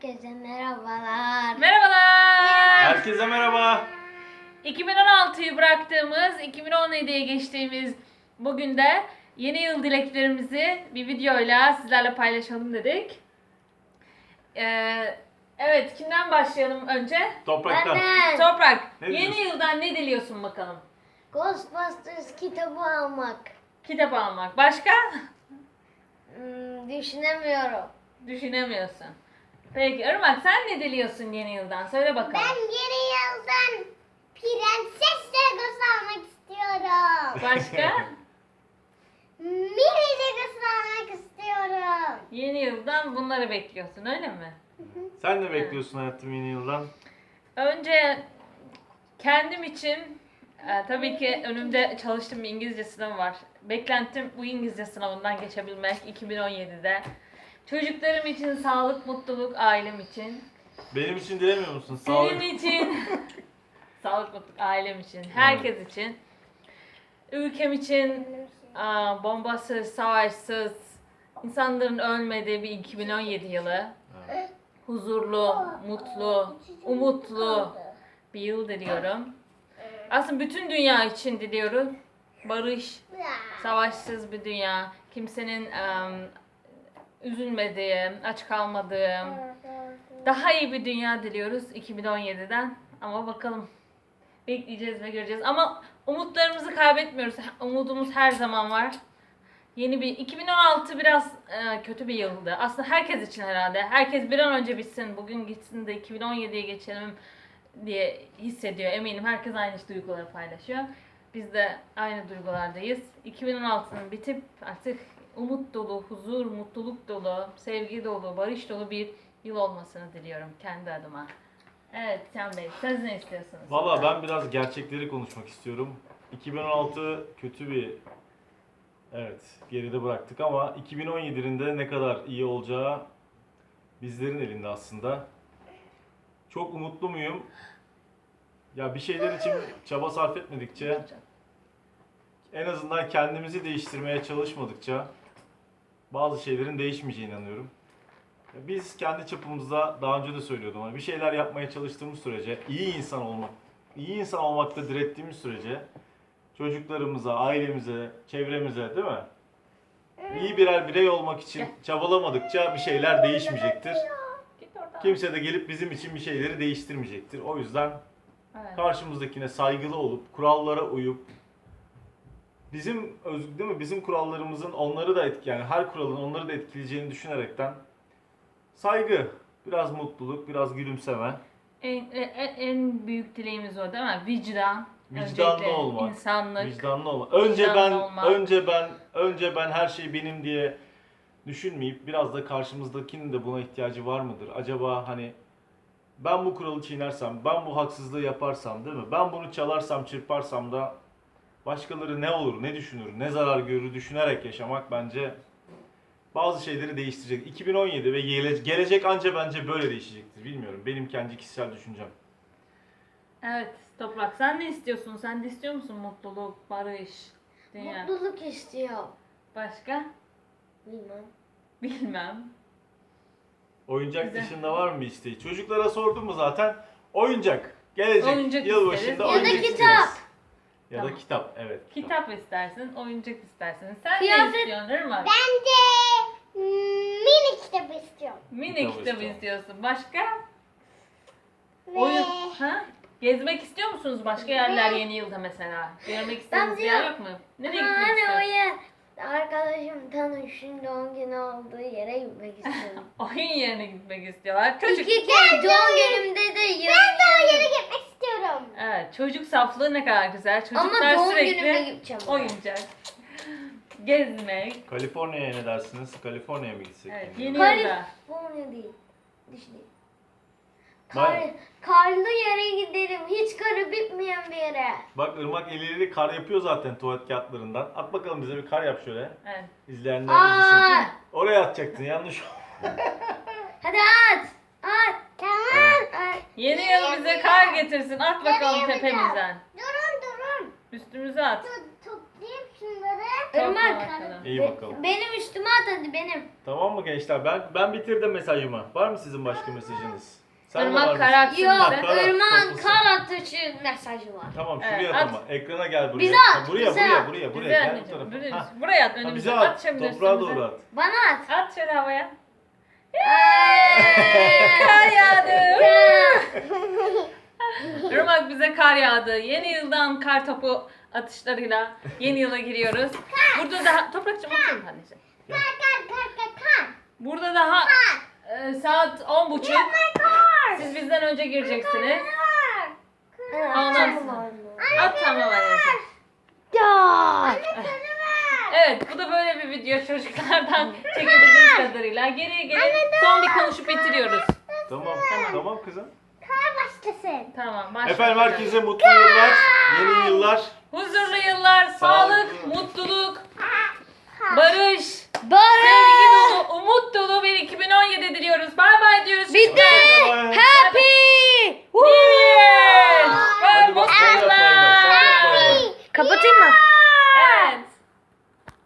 Herkese merhabalar. Merhabalar. Herkese merhaba. 2016'yı bıraktığımız, 2017'ye geçtiğimiz bugün de yeni yıl dileklerimizi bir videoyla sizlerle paylaşalım dedik. Evet, kimden başlayalım önce? Topraktan. Benden Toprak, Ne yeni diyorsun? yıldan ne diliyorsun bakalım? Ghostbusters kitabı almak. Kitap almak. Başka? Düşünemiyorum. Düşünemiyorsun. Peki Irmak, sen ne diliyorsun yeni yıldan? Söyle bakalım. Ben yeni yıldan Prenses Legosu almak istiyorum. Başka? Mini Legosu almak istiyorum. Yeni yıldan bunları bekliyorsun, öyle mi? Sen ne bekliyorsun hayatım yeni yıldan? Önce kendim için tabii ki önümde çalıştığım bir İngilizce sınavı var. Beklentim bu İngilizce sınavından geçebilmek 2017'de. Çocuklarım için sağlık, mutluluk, ailem için. Benim için dilemiyor musun? Sağlık. Benim için sağlık, mutluluk, ailem için, herkes için. Ülkem için bombasız, savaşsız, insanların ölmediği bir 2017 yılı. Evet. Huzurlu, mutlu, umutlu bir yıl diliyorum. Aslında bütün dünya için diliyorum. Barış, savaşsız bir dünya. Kimsenin üzülmediği, aç kalmadığı, daha iyi bir dünya diliyoruz 2017'den. Ama bakalım. Bekleyeceğiz ve göreceğiz. Ama umutlarımızı kaybetmiyoruz. Umudumuz her zaman var. Yeni bir 2016 biraz kötü bir yıldı. Aslında herkes için herhalde. Herkes bir an önce bitsin, bugün gitsin de 2017'ye geçelim diye hissediyor. Eminim herkes aynı duyguları paylaşıyor. Biz de aynı duygulardayız. 2016'nın bitip artık umut dolu, huzur, mutluluk dolu, sevgi dolu, barış dolu bir yıl olmasını diliyorum kendi adıma. Evet Can Bey, siz ne istiyorsunuz? Valla ben biraz gerçekleri konuşmak istiyorum. 2016 kötü bir geride bıraktık ama 2017'nin de ne kadar iyi olacağı bizlerin elinde aslında. Çok umutlu muyum? Ya bir şeyler için çaba sarf etmedikçe, en azından kendimizi değiştirmeye çalışmadıkça bazı şeylerin değişmeyeceğine inanıyorum. Biz kendi çapımızda daha önce de söylüyordum ama bir şeyler yapmaya çalıştığımız sürece, iyi insan olmakta direttiğimiz sürece çocuklarımıza, ailemize, çevremize, değil mi? İyi birer birey olmak için çabalamadıkça bir şeyler değişmeyecektir. Kimse de gelip bizim için bir şeyleri değiştirmeyecektir. O yüzden Evet. karşımızdakine saygılı olup, kurallara uyup, değil mi? Bizim kurallarımızın onları da yani her kuralın onları da etkileyeceğini düşünerekten saygı, biraz mutluluk, biraz gülümseme. En büyük dileğimiz o değil mi? Vicdan. Vicdanlı öncelikle, olmak. İnsanlık. Vicdanlı olmak. Vicdanlı olmak. Önce ben her şey benim diye düşünmeyip biraz da karşımızdakinin de buna ihtiyacı var mıdır? Acaba hani ben bu kuralı çiğnersem, ben bu haksızlığı yaparsam, değil mi? Ben bunu çalarsam, çırparsam da başkaları ne olur, ne düşünür, ne zarar görür düşünerek yaşamak bence bazı şeyleri değiştirecek. 2017 ve gelecek anca bence böyle değişecektir. Bilmiyorum. Benim kendi kişisel düşüncem. Evet Toprak, sen ne istiyorsun? Sen de istiyor musun mutluluk, barış, dünya? Mutluluk istiyorum. Başka? Bilmem. Bilmem. Oyuncak Güzel. dışında var mı isteği? Çocuklara sordum mu zaten? Oyuncak. Gelecek Oyuncak yılbaşında isteriz. oyuncak Ya da isteriz. kitap. Ya Tamam. da kitap. Evet. Kitap istersin, oyuncak istersin. Sen Kıyafet- ne istiyorsun Irmak? Ben de mini kitabı istiyorum. Mini Kitap kitap istiyorum. istiyorsun. Başka? Ve Oyun. Ha? Gezmek istiyor musunuz başka yerler yeni yılda mesela? Görmek istediğiniz bir yer yok mu? Nereye gitmek hani istiyorsun? oraya arkadaşım tanışın doğum günü olduğu yere gitmek istiyorum. Oyun yerine gitmek istiyorlar. Çocuk. İki kere doğum günümde de ben de o yere gitmek istiyorum. Evet, çocuk saflığı ne kadar güzel. Çocuklar Ama doğum sürekli günüme gideceğim. oyuncak, gezmek. Kaliforniya'ya ne dersiniz? Kaliforniya'ya mı gitsek? Evet, Yani? yeni yılda. Kaliforniya değil. Düşüneyim. Bayağı. Karlı yere gidelim. Hiç karı bitmeyen bir yere. Bak Irmak eliyle kar yapıyor zaten tuvalet kağıtlarından. At bakalım bize bir kar yap şöyle. Evet. İzleyenler izlesin. Aa, Oraya atacaktın yanlış. hadi at. At. Tamam. At. Yeni yıl bize kar getirsin. At bakalım Nereye tepemizden. Durun. Üstümüze at. Toplayayım şunları. Irmak. bakalım. İyi bakalım. Benim üstüme at hadi benim. Tamam mı gençler? Ben bitirdim mesajımı. Var mı sizin başka mesajınız? Sen de var Irmak mısın? karatsın Yok, Bak, karat, Irmak'ın toplusun. kar atışı mesajı var. Tamam Evet, şuraya at. at ama. Ekrana gel buraya. Bize at, Ha, buraya, bize buraya, at. buraya, buraya. Bize Gel bu anneciğim. tarafa. Ha. Buraya at Ha, önümüze. bize At at. şimdi Toprağa üstümüze. doğru at. Bana at. At şöyle havaya. Eee, Kar yağdı. Irmak bize kar yağdı. Yeni yıldan kar topu atışlarıyla yeni yıla giriyoruz. Burada daha Toprakçım otur anneciğim. Burada daha saat 10.30. Siz bizden önce gireceksiniz. Ondan sonra. At tamam anneciğim. Ya. Evet bu da böyle bir video çocuklardan çekebildiğimiz kadarıyla. Geriye gelin son bir konuşup bitiriyoruz. Tamam, tamam kızım. Başlasın. Tamam başlayalım. Efendim herkese mutlu yıllar, yeni yıllar. Huzurlu yıllar, sağlık, Sağlıklı. mutluluk, barış, Barış. sevgi dolu, umut dolu bir 2017 diliyoruz. Bay bay diyoruz. Bitti.